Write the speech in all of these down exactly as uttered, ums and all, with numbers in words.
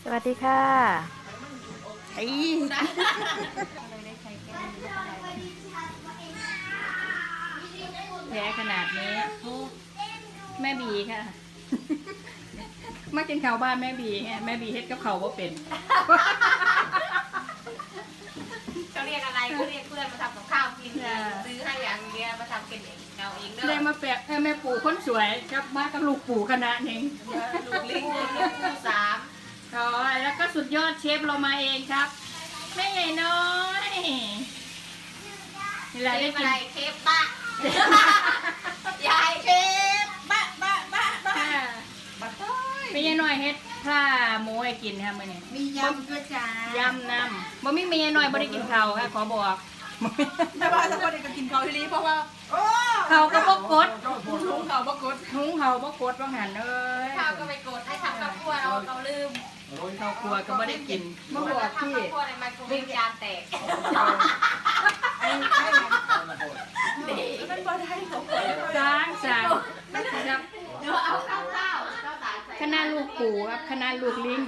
วัสดีค่ะไอ้แย่ขนาดนี้แม่บีค่ะมากินข้าวบ้านแม่บีไงแม่บีเฮ็ดกับเขาว่าเป็นเขาเรียกอะไรเขาเรียกเพื่อนมาทำกับข้าวกินซื้อให้อย่างเดียวมาทำกินเองเอาเองเด้อได้มาแปะแม่ปู่คนสวยกับมากับลูกปู่คณะเองลูกลิงลูกปู่สามอ๋อแล้วก็สุดยอดเชฟเรามาเองครับแม่ใหญ่น้อยนี่แหละได้กินเคฟบะยายเคฟบะบะบะบะไม่ใช่น้อยเฮ็ดผ้าหมูให้กินค่ะมื้อนี้มียำด้วยจ้ายำน้ำบ่มีเมียน้อยบ่ได้กินข้าวค่ะขอบอกแต่ว่าทุกคนได้กินข้าวที่นี่เพราะว่าเขาก็บ่กดหุงเขาบ่กดหุงเขาบ่กดว่าหั่นเอ้ยข้าวก็ไม่กดให้ทำกับครัวเราเราลืมข้าวครัวก็ไม่ได้กินมาบอกที่วิ่งจานแตกไอ้ไอ้มันบ่ได้ของสร้างสร้างครับเดี๋ยวเอาข้าวข้าวคณะลูกปู่ครับคณะลูกลิง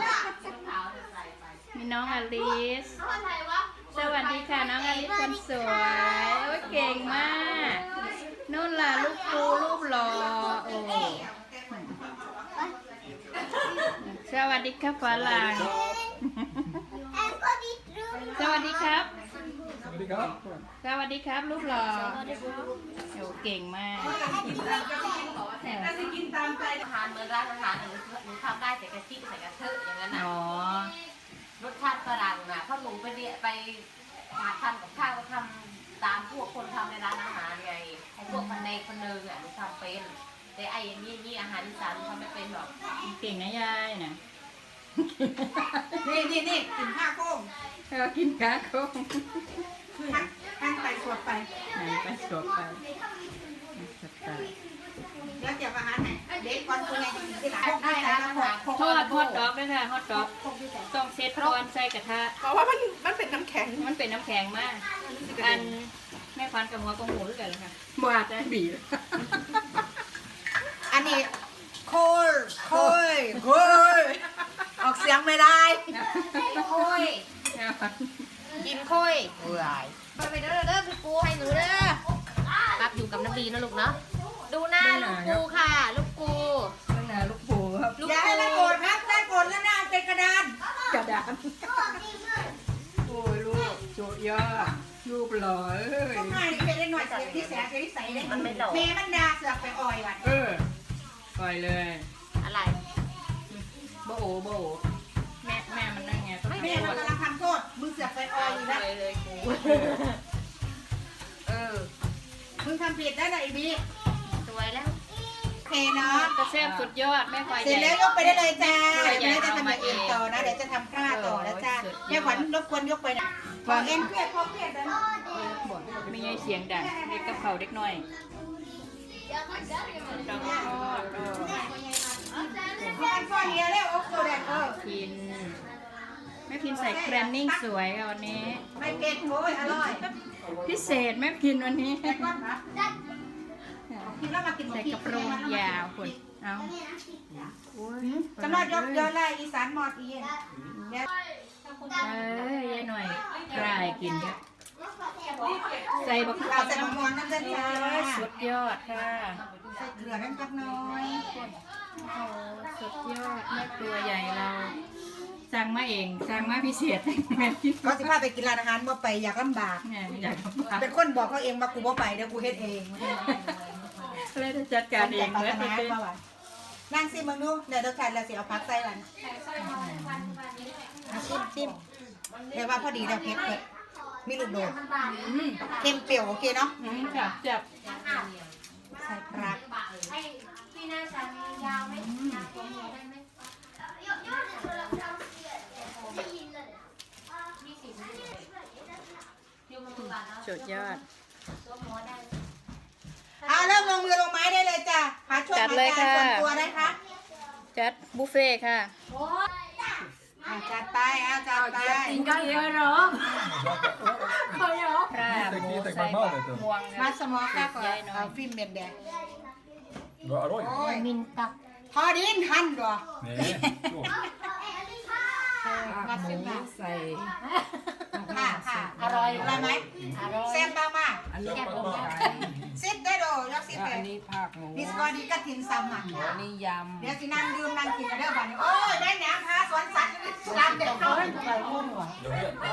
มีน้องอลิสสวัสดีค่ะน้องอลิสคนสวยโอ้ยเก่งมากนู่นล่ะลูกปู่รูปหล่อโอ้สวัสดีครับฝรั่งสวัสดีครับสวัสดีครับสวัสดีครับรูปหล่อโอ้เก่งมากน่าจะกินตามใจอาหารเหมือนร้านอาหารหนูหนูทำได้แต่กะทิใส่กระเทอะอย่างนั้นนะรสชาติฝรั่งนะเพราะหนูไปเรียไปหาทำกับข้าวก็ทำตามพวกคนทำในร้านอาหารไงไอ้พวกคนในคนนึงอ่ะหนูทำเป็นแต่ไอ้นี่นี่อาหารอีสานทำไม่เป็นหรอกเก่งนะยายนะนี่นี่นี่กินข้าวโค้งเรากินข้าวโค้งหั่นไปสวดไปหั่นไปสวดไปสวดไปแล้วเก็บอาหารไหนเด็กก่อนตัวใหญ่ที่หลังได้แล้วทอดทอดดอกด้วยค่ะทอดดอกต้องเซตก่อนใส่กระทะเพราะว่ามันมันเป็นน้ำแข็งมันเป็นน้ำแข็งมากอันแม่ควันกับหัวกับหูด้วยกันเลยค่ะบาดได้บีอันนี้โคยโคยโคยออกเสียงไม่ได้โคยกินโคยเอื่อยไปเด้อเด้อพี่ปูให้หนูเด้อปั๊บอยู่กับน้ำดีนะลูกเนาะดูหน้าลูกปูค่ะลูกปูหน้าลูกปูครับอย่าให้มันโกรธครับถ้าโกรธแล้วหน้าเป็นกระดานกระดานโอ้ยลูกโจยอดลูกหล่อเอ้ยต้องให้เป็นเล็กหน่อยเสียที่แสบที่ใส่เลยมันไม่หล่อแม่มันดาเสือกไปอ่อยวันเอออ่อยเลยอะไรโบโอโบโอแม่แม่มันนั่งไงแม่มันกำลังทำโทษมึงเสือกไปอ่อยอยู่นะเลยกูเออมึงทำผิดได้ไหนบีสวยแล้วโอเคเนาะกระเซ็บสุดยอดแม่ควายเสร็จแล้วยกไปได้เลยจ้าเดี๋ยวจะทำเองต่อนะเดี๋ยวจะทำกล้าต่อแล้วจ้าแม่ขวัญรบกวนยกไปนะขอเอ็นเครียดพอเครียดนะไม่ใช่เสียงดังเด็กกระเพราเด็กน้อยต้องทอดพ่อพ่อเลี้ยแล้วโอ้โหแดงเออพินแม่พินใส่แกรนนิ่งสวยค่ะวันนี้ไม่เก่งโอ้ยอร่อยพิเศษแม่พินวันนี้ใส่กระโปรงยาวคนเอาจะมายกย้อนไล่อีสานหมดอีเอ้ยยายหน่อยกลายกินครับใส่บักเอาใส่บักมอนน้ำเส้นจ้าสุดยอดค่ะใส่เกลือน้ำจักน้อยโอ้สุดยอดแม่ตัวใหญ่เราสั่งมาเองสั่งมาพิเศษเขาสิพาไปกินร้านอาหารบ่ไปอยากลำบากอยากเป็นคนบอกเขาเองว่ากูบ่ไปเดี๋ยวกูเฮ็ดเองเลยจะจัดการเองเหมือนเป็นนั่งซิมึงดูเดี๋ยวเดี๋ยวใครเราสิเอาพักใส่วันชิมชิมเรียกว่าพอดีเราเผ็ดเผ็ดมีลูกโดดเค็มเปรี้ยวโอเคเนาะจับจับใส่ปลาพี่น่าจะยาวไหมยาวตัวหมูได้ไหมสุดยอดเอาเริ่มลงมือลงไม้ได้เลยจ้ะหาช่วยหาจานส่วนตัวได้คะจัดบุฟเฟ่ค่ะจัดไปเอาจัดไปกินก็เยอะหรอเขาเยอะปลาหมูใส่ม่วงมาสมองก็ก่อนเอาฟิล์มเบนแดง Vad arroj. Minta. Har din hand då? Nej, så. ส่ค่ะค่ะอร่อยอร่อยไหมอร่อยแซ่บบ้างมากอันนี้ปลาไก่ซิดได้โดยกซิดแล้วเลอัยนนี้ผักหมูนี่สกอร์ดีกระถินซ้ำอ่ะอันนี้ยเดี๋ยวสินั่งดื่มนั่งกินกันเด้อบัดนี้โอ้ยได้แหนมพาสวนสัตว์ตามเด็กเขา